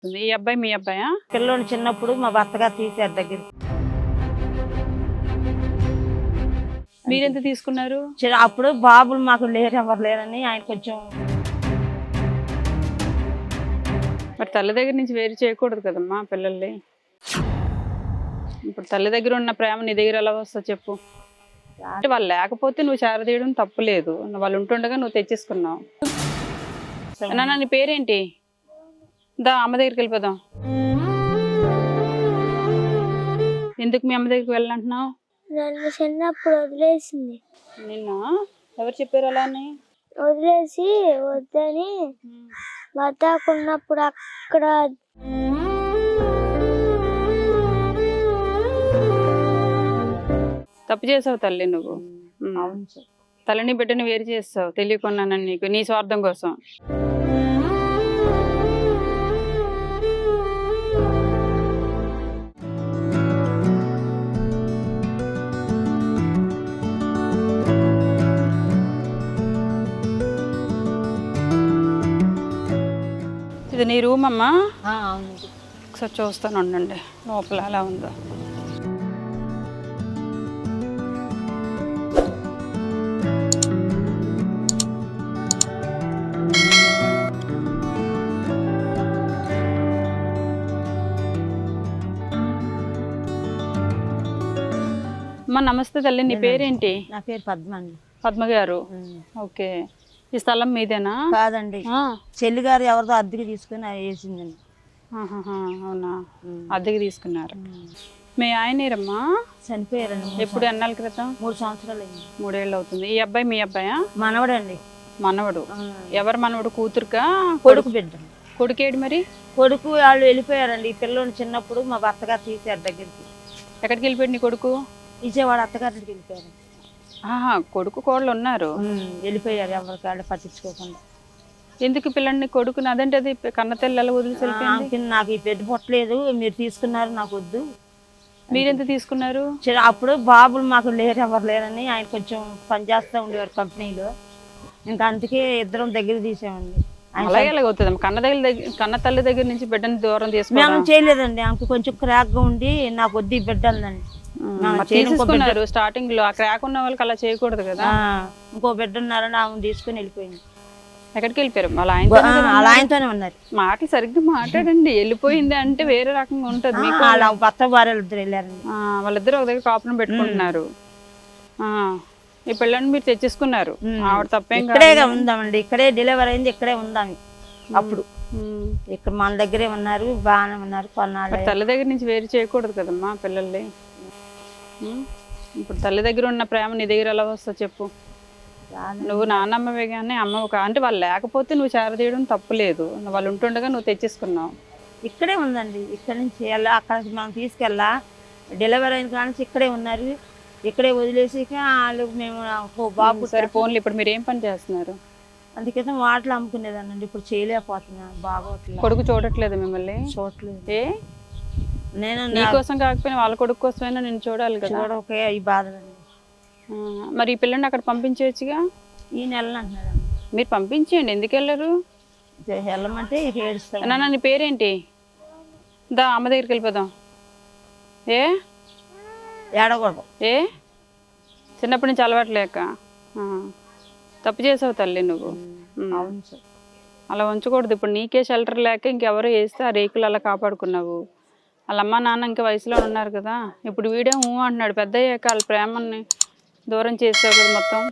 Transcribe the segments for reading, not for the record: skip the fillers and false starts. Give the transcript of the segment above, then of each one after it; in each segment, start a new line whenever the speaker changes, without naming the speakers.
ఈ అబ్బాయి మీ అబ్బాయా?
పిల్లోని చిన్నప్పుడు మా భర్తగారు తీశారు దగ్గర.
మీరెంత తీసుకున్నారు?
అప్పుడు బాబులు మాకు లేరు, ఎవరు లేరని ఆయన కొంచెం.
మరి తల్లి దగ్గర నుంచి వేరు చేయకూడదు కదమ్మా పిల్లల్ని. ఇప్పుడు తల్లి దగ్గర ఉన్న ప్రేమ నీ దగ్గర ఎలా వస్తా చెప్పు? అంటే వాళ్ళు లేకపోతే నువ్వు చేరదీయడం తప్పు లేదు, వాళ్ళు ఉంటుండగా నువ్వు తెచ్చేసుకున్నావు. నాన్న నీ పేరేంటి? దా అమ్మ దగ్గరికి వెళ్ళిపోదాం. ఎందుకు మీ అమ్మ దగ్గరికి వెళ్ళాలంటున్నావు?
నన్ను చిన్నప్పుడు వదిలేసింది.
నిన్న ఎవరు చెప్పారు అలా అని?
వదిలేసి వద్దని బతాకున్నప్పుడు అక్కడ
తప్పు చేసావు తల్లి నువ్వు.
అవును సార్.
తల్లిని బిడ్డని వేరు చేస్తావు తెలియకున్నానని నీకు, నీ స్వార్థం కోసం. ఇది నీ రూమ్ అమ్మా?
అవును.
ఒకసారి చూస్తాను ఉండండి లోపల ఎలా ఉందో. అమ్మా నమస్తే తల్లి, నీ పేరేంటి?
నా పేరు పద్మ అండి.
పద్మ గారు. ఓకే, ఈ స్థలం మీదేనా?
కాదండి, చెల్లి గారు ఎవరితో అద్దెకి తీసుకుని వేసిందండి.
అవునా, అద్దెకి తీసుకున్నారు. మీ ఆయనేరమ్మా?
చనిపోయారండి.
ఎప్పుడు ఎన్నాళ్ళ క్రితం?
3 సంవత్సరాలు అయింది.
3 ఏళ్ళు అవుతుంది. ఈ అబ్బాయి మీ అబ్బాయా?
మనవడండి.
మనవడు? ఎవరు మనవడు? కూతురుకా
కొడుకు బిడ్డ?
కొడుకేడు మరి?
కొడుకు వాళ్ళు వెళ్ళిపోయారండి. ఈ పిల్లోని చిన్నప్పుడు మా భర్తగారు తీశారు దగ్గరికి.
ఎక్కడికి వెళ్ళిపోయాడు నీ కొడుకు?
విజయవాడ అత్తగారికి వెళ్ళిపోయారు.
కొడుకు కోళ్ళు ఉన్నారు,
వెళ్ళిపోయారు ఎవరికి వాళ్ళు పట్టించుకోకుండా.
ఎందుకు పిల్లని కొడుకుని? అదంటే అది కన్న తెల్లలు వదిలిసి
నాకు ఈ పెద్ద పొట్టలేదు, మీరు తీసుకున్నారు, నాకు వద్దు.
మీరెంత తీసుకున్నారు?
అప్పుడు బాబులు మాకు లేరు, ఎవరు లేరని ఆయన కొంచెం పని చేస్తూ ఉండేవారు కంపెనీలో. ఇంకా అందుకే ఇద్దరం దగ్గర తీసామండి.
అలాగే అవుతుంది కన్న తల్లి దగ్గర నుంచి బిడ్డని దూరం
తీసుకున్నాం. మేము చేయలేదండి, ఆమెకు కొంచెం క్రాక్ గా ఉండి నాకు వద్దు ఈ బిడ్డ అందండి.
తీసుకున్నారు స్టార్టింగ్ లో. ఆ క్రాక్ ఉన్న వాళ్ళకి అలా చేయకూడదు కదా.
ఇంకో బిడ్డ ఉన్నారని ఆమె తీసుకుని వెళ్ళిపోయింది.
ఎక్కడికి వెళ్ళిపోయారు? అలా
ఆయనతోనే ఉన్నారు.
మాటలు సరిగ్గా మాట్లాడండి. వెళ్ళిపోయింది అంటే వేరే రకంగా ఉంటది.
వాళ్ళ భర్త భార్యలు ఇద్దరు వెళ్ళారండి.
వాళ్ళిద్దరు ఒక దగ్గర కాపురం పెట్టుకుంటున్నారు. ఈ పిల్లని మీరు తెచ్చేసుకున్నారు. ఆవిడ తప్పేం
ఇక్కడే ఉందామండి, ఇక్కడే డెలివరీ అయింది, ఇక్కడే ఉందాం. అప్పుడు ఇక్కడ మన దగ్గరే ఉన్నారు, బాగానే ఉన్నారు. కొన్నాళ్ళు
తల్లి దగ్గర నుంచి వేరు చేయకూడదు కదమ్మా పిల్లల్ని. ఇప్పుడు తల్లి దగ్గర ఉన్న ప్రేమ నీ దగ్గర ఎలా వస్తా చెప్పు? నువ్వు నాన్నమ్మవే కానీ అమ్మవు అంటే వాళ్ళు లేకపోతే నువ్వు చేరదీయడం తప్పు లేదు, వాళ్ళు ఉంటుండగా నువ్వు తెచ్చేసుకున్నావు.
ఇక్కడే ఉందండి, ఇక్కడ నుంచి అక్కడికి మనం తీసుకెళ్ళా. డెలివరీ అయిన కానీ ఇక్కడే ఉన్నారు, ఇక్కడే వదిలేసి వాళ్ళు మేము బాబు.
సరే ఫోన్లు. ఇప్పుడు మీరు ఏం పని చేస్తున్నారు?
అందుకైతే వాటలు అమ్ముకునేదానండి, ఇప్పుడు చేయలేకపోతున్నా. బాగోట్లేదు.
కొడుకు చూడట్లేదు మిమ్మల్ని?
చూడట్లేదు.
ఏ నేను నీకోసం కాకపోయినా వాళ్ళ కొడుకు కోసమైనా నేను చూడాలి కదా.
చూడకే ఈ బాధలండి.
మరి ఈ పిల్లని అక్కడ పంపించవచ్చుగా.
ఈ నెల అంటున్నారండి.
మీరు పంపించేయండి, ఎందుకు వెళ్ళరు?
వెళ్ళమంటే ఏడుస్తాను.
నాన్న నీ పేరేంటి? దా అమ్మ దగ్గరికి వెళ్ళిపోదాం. ఏ
ఏడకూడదు?
ఏ చిన్నప్పటి నుంచి అలవాట్లేక తప్పు చేసావు తల్లి నువ్వు.
అవును సార్.
అలా ఉంచకూడదు. ఇప్పుడు నీకే షెల్టర్ లేక ఇంకెవరో వేస్తే ఆ రేకులు అలా కాపాడుకున్నావు. వాళ్ళ అమ్మ నాన్న ఇంకా వయసులో ఉన్నారు కదా. ఇప్పుడు వీడే అంటున్నాడు, పెద్ద అయ్యాక వాళ్ళ ప్రేమని దూరం చేసావు కదా. మొత్తం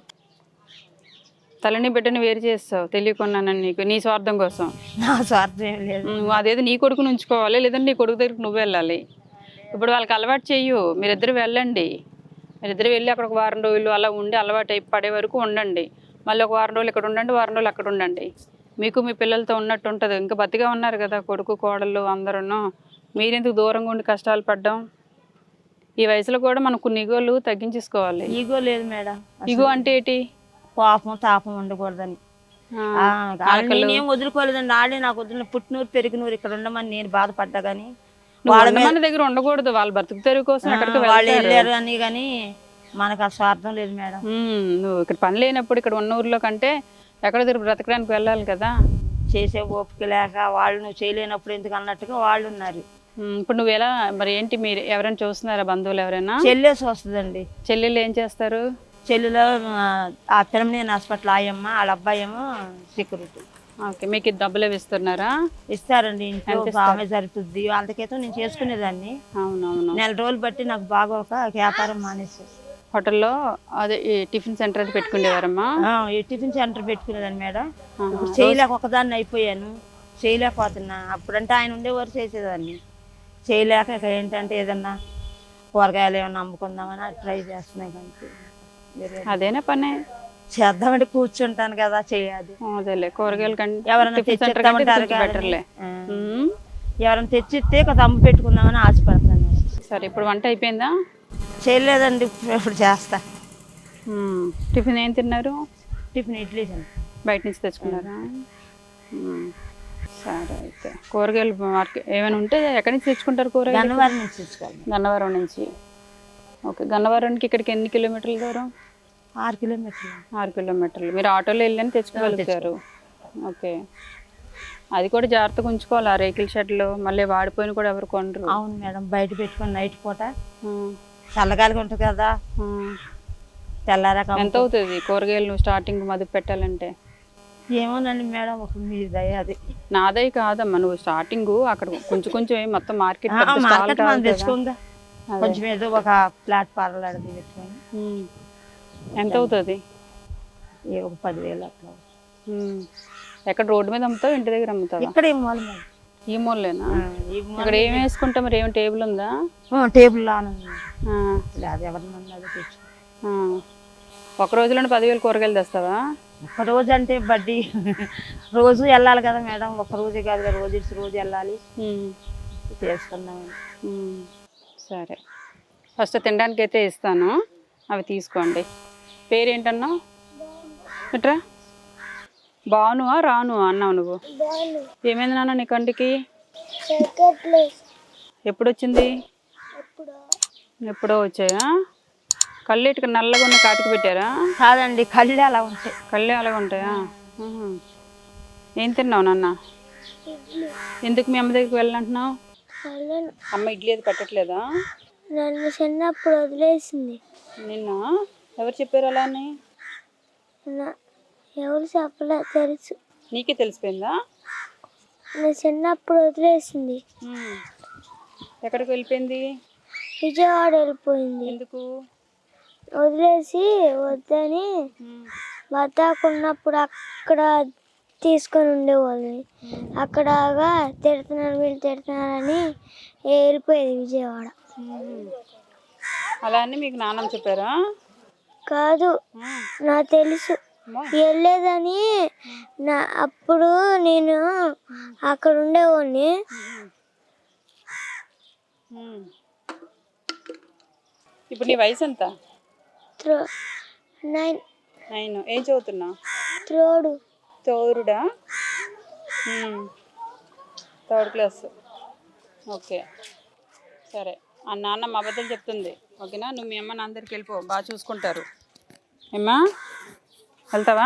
తల్లిని బిడ్డని వేరు చేస్తావు తెలియకున్నానని నీకు, నీ స్వార్థం కోసం.
నా స్వార్థం ఏం లేదు.
నువ్వు అదేదో నీ కొడుకుని ఉంచుకోవాలి, లేదంటే నీ కొడుకు దగ్గరికి నువ్వు వెళ్ళాలి. ఇప్పుడు వాళ్ళకి అలవాటు చెయ్యు, మీరిద్దరు వెళ్ళండి. మీరిద్దరు వెళ్ళి అక్కడ ఒక వారం రోజులు అలా ఉండి అలవాటు పడే వరకు ఉండండి. మళ్ళీ ఒక వారం రోజులు ఇక్కడ ఉండండి, వారం రోజులు అక్కడ ఉండండి. మీకు మీ పిల్లలతో ఉన్నట్టు ఉంటుంది. ఇంకా బతిగా ఉన్నారు కదా కొడుకు కోడళ్ళు అందరూ. మీరెందుకు దూరంగా ఉండి కష్టాలు పడ్డాం? ఈ వయసులో కూడా మనం కొన్ని ఈగోలు తగ్గించేసుకోవాలి.
ఈగో లేదు మేడం.
ఈగో అంటే ఏంటి?
పాపం తాపం ఉండకూడదని. నేనేం వదులుకోలేదండి. ఆడే నాకు వదిలిన పుట్టినూరు పెరిగినూరు ఇక్కడ ఉండమని నేను బాధపడ్డా. కానీ
మన దగ్గర ఉండకూడదు, వాళ్ళ బతుకు తెరువు కోసం
వాళ్ళు వెళ్ళారు అని. కానీ మనకు ఆ స్వార్థం లేదు మేడం.
నువ్వు ఇక్కడ పని లేనప్పుడు ఇక్కడ ఉన్న ఊర్లో కంటే ఎక్కడ దగ్గర బ్రతకడానికి వెళ్ళాలి కదా.
చేసే ఓపిక లేక వాళ్ళు నువ్వు చేయలేనప్పుడు ఎందుకు అన్నట్టుగా వాళ్ళు ఉన్నారు.
ఇప్పుడు నువ్వు ఎలా మరి ఏంటి, మీరు ఎవరైనా చూస్తున్నారా, బంధువులు ఎవరైనా?
చెల్లేసి వస్తుందండి.
చెల్లెళ్ళు ఏం చేస్తారు?
చెల్లిలో ఆ తిరుమనేని హాస్పిటల్ ఆయమ్మ, వాళ్ళ అబ్బాయి ఏమో సెక్యూరిటీ.
ఓకే, మీకు డబ్బులు అవి ఇస్తున్నారా?
ఇస్తారండి, ఇంట్లో ఆమె జరుగుతుంది. అంతకేతో నేను చేసుకునేదాన్ని.
అవునవును.
నెల రోజులు బట్టి నాకు బాగా ఒక వ్యాపారం మానేసి
హోటల్లో అదే ఈ టిఫిన్ సెంటర్ అది పెట్టుకునేవారమ్మా?
ఈ టిఫిన్ సెంటర్ పెట్టుకునేదాన్ని మేడం. ఇప్పుడు చేయలేక ఒకదాన్ని అయిపోయాను, చేయలేకపోతున్నా. అప్పుడంటే ఆయన ఉండేవారు చేసేదాన్ని, చేయలేక ఇక ఏంటంటే ఏదన్నా కూరగాయలు ఏమన్నా అమ్ముకుందామని ట్రై చేస్తున్నాయి. కానీ
అదేనా పనే
చేద్దామంటే కూర్చుంటాను కదా, చేయాలి.
అదేలే, కూరగాయలు కంటే
ఎవరైనా తెచ్చిస్తామంటారు,
బెటర్లే.
ఎవరైనా తెచ్చిస్తే ఒక అమ్ము పెట్టుకుందామని ఆశపడుతున్నాను.
సరే, ఇప్పుడు వంట అయిపోయిందా?
చేయలేదండి, ఇప్పుడు చేస్తా.
టిఫిన్ ఏం తిన్నారు?
టిఫిన్ ఇడ్లీ
బయట నుంచి తెచ్చుకున్నారా? సరే, అయితే కూరగాయలు మార్కెట్ ఏమైనా ఉంటే ఎక్కడి నుంచి తెచ్చుకుంటారు కూరగాయలు?
గన్నవరం నుంచి తెచ్చుకోవాలి.
గన్నవరం నుంచి. ఓకే, గన్నవరానికి ఇక్కడికి ఎన్ని కిలోమీటర్ల దూరం?
6 కిలోమీటర్లు.
6 కిలోమీటర్లు. మీరు ఆటోలో వెళ్ళని తెచ్చుకోగలుగుతారు. ఓకే, అది కూడా జాగ్రత్తగా ఉంచుకోవాలి. ఆ రేకుల షెడ్లు మళ్ళీ వాడిపోయిన కూడా ఎవరు కొనరు.
అవును మేడం, బయట పెట్టుకుని నైట్ పూట చల్లగాలిగా ఉంటుంది కదా, తెల్లారాక.
ఎంత అవుతుంది కూరగాయలు నువ్వు స్టార్టింగ్ మదుపు పెట్టాలంటే?
ఏమోనండి మేడం, ఒక మీ దయ. అది
నాదై కాదమ్మా, నువ్వు స్టార్టింగ్ అక్కడ కొంచెం కొంచెం మొత్తం మార్కెట్
తెచ్చుకుందా, కొంచెం ఏదో ఒక ప్లాట్ఫారం అడిగి పెట్టుకొని.
ఎంత అవుతుంది?
ఒక 10,000 అట్లా.
ఎక్కడ రోడ్డు మీద అమ్ముతావు, ఇంటి దగ్గర అమ్ముతావు?
ఇక్కడ ఈ మూల.
ఈ మూలేనా? ఇక్కడ ఏం వేసుకుంటా మరి? ఏమి టేబుల్ ఉందా?
టేబుల్ అది ఎవరినన్నా తెచ్చు.
ఒక రోజులోనే 10,000 కూరగాయలు తెస్తావా?
ఒక రోజు అంటే బడ్డీ రోజు వెళ్ళాలి కదా మేడం, ఒక రోజే కాదు కదా, రోజు వెళ్ళాలి. చేసుకున్నాం.
సరే, ఫస్ట్ తినడానికి అయితే ఇస్తాను, అవి తీసుకోండి. పేరేంటన్నావు? ఎట్రా బానువా రాను అన్నావు నువ్వు? ఏమైంది నాన్న నీ కంటికి? ఎప్పుడు వచ్చింది? ఎప్పుడో వచ్చాయా? కళ్ళు ఇటుక నల్లగా ఉన్న కాటికి పెట్టారా?
కాదండి, కళ్ళే అలా ఉంటాయి.
కళ్ళే అలాగ ఉంటాయా? ఏం తిన్నావు నాన్న? ఎందుకు మీ అమ్మ దగ్గరికి వెళ్ళాలంటున్నావు? అమ్మ ఇడ్లీ అది పెట్టట్లేదా?
నన్ను చిన్నప్పుడు వదిలేసింది.
నిన్న ఎవరు చెప్పారు అలా అని?
ఎవరు చెప్పలే, తెలుసు.
నీకే తెలిసిపోయిందా?
నా చిన్నప్పుడు వదిలేసింది.
ఎక్కడికి వెళ్ళిపోయింది?
విజయవాడ వెళ్ళిపోయింది.
ఎందుకు
వదిలేసి? వద్దని బతాకున్నప్పుడు అక్కడ తీసుకొని ఉండేవాళ్ళని, అక్కడగా తిడుతున్నారు వీళ్ళు తిడుతున్నారని వెళ్ళిపోయేది విజయవాడ.
అలా అని మీకు నాన్నమ్మ చెప్పారా?
కాదు, నాకు తెలుసు వెళ్ళేదని. అప్పుడు నేను అక్కడ ఉండేవాడిని.
ఇప్పుడు నీ వయసు ఎంత?
9.
ఏం చదువుతున్నా? తోరుడా? 3rd class. ఓకే, సరే. ఆ నాన్నమ్మ అబద్ధాలు చెప్తుంది, ఓకేనా? నువ్వు మీ అమ్మ నాన్న దగ్గరికి వెళ్ళిపో, బాగా చూసుకుంటారు. ఏమ్మా వెళ్తావా?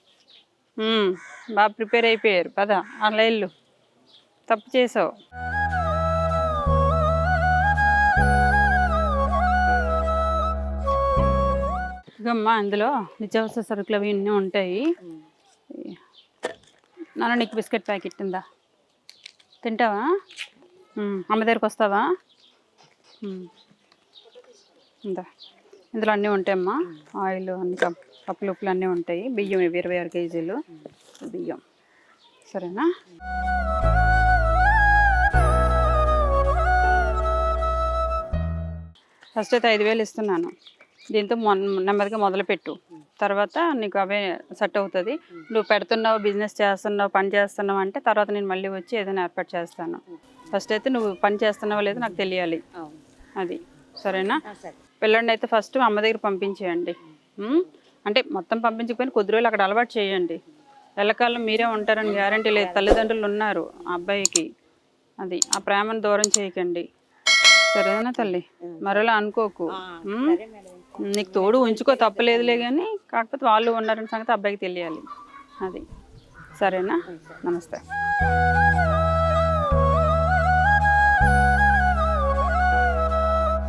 బాగా ప్రిపేర్ అయిపోయారు, పద అలా వెళ్ళు. తప్పు చేసావు. ఇకమ్మా అందులో నిత్యావసర సరుకులు అవి అన్నీ ఉంటాయి. నాన్న నీకు బిస్కెట్ ప్యాకెట్ ఉందా? తింటావా? అమ్మ దగ్గరికి వస్తావా? ఇందా, ఇందులో అన్నీ ఉంటాయమ్మా. ఆయిల్ అన్ని పప్పులు ఉప్పులు అన్నీ ఉంటాయి. బియ్యం 26 కేజీలు బియ్యం, సరేనా? ఫస్ట్ అయితే 5,000 ఇస్తున్నాను. దీంతో నెమ్మదిగా మొదలుపెట్టు, తర్వాత నీకు అవే సెట్ అవుతుంది. నువ్వు పెడుతున్నావు, బిజినెస్ చేస్తున్నావు, పని చేస్తున్నావు అంటే తర్వాత నేను మళ్ళీ వచ్చి ఏదైనా ఏర్పాటు చేస్తాను. ఫస్ట్ అయితే నువ్వు పని చేస్తున్నావో లేదో నాకు తెలియాలి, అది సరేనా? పిల్లండి అయితే ఫస్ట్ అమ్మ దగ్గర పంపించేయండి. అంటే మొత్తం పంపించకపోయినా కొద్ది రోజులు అక్కడ అలవాటు చేయండి. ఎల్లకాలం మీరే ఉంటారని గ్యారంటీ లేదు, తల్లిదండ్రులు ఉన్నారు ఆ అబ్బాయికి. అది ఆ ప్రేమను దూరం చేయకండి, సరేనా తల్లి? మరోలా అనుకోకు. నీకు తోడు ఉంచుకో, తప్పలేదులే, కానీ కాకపోతే వాళ్ళు ఉన్నారని సంగతి అబ్బాయికి తెలియాలి, అది సరేనా? నమస్తే.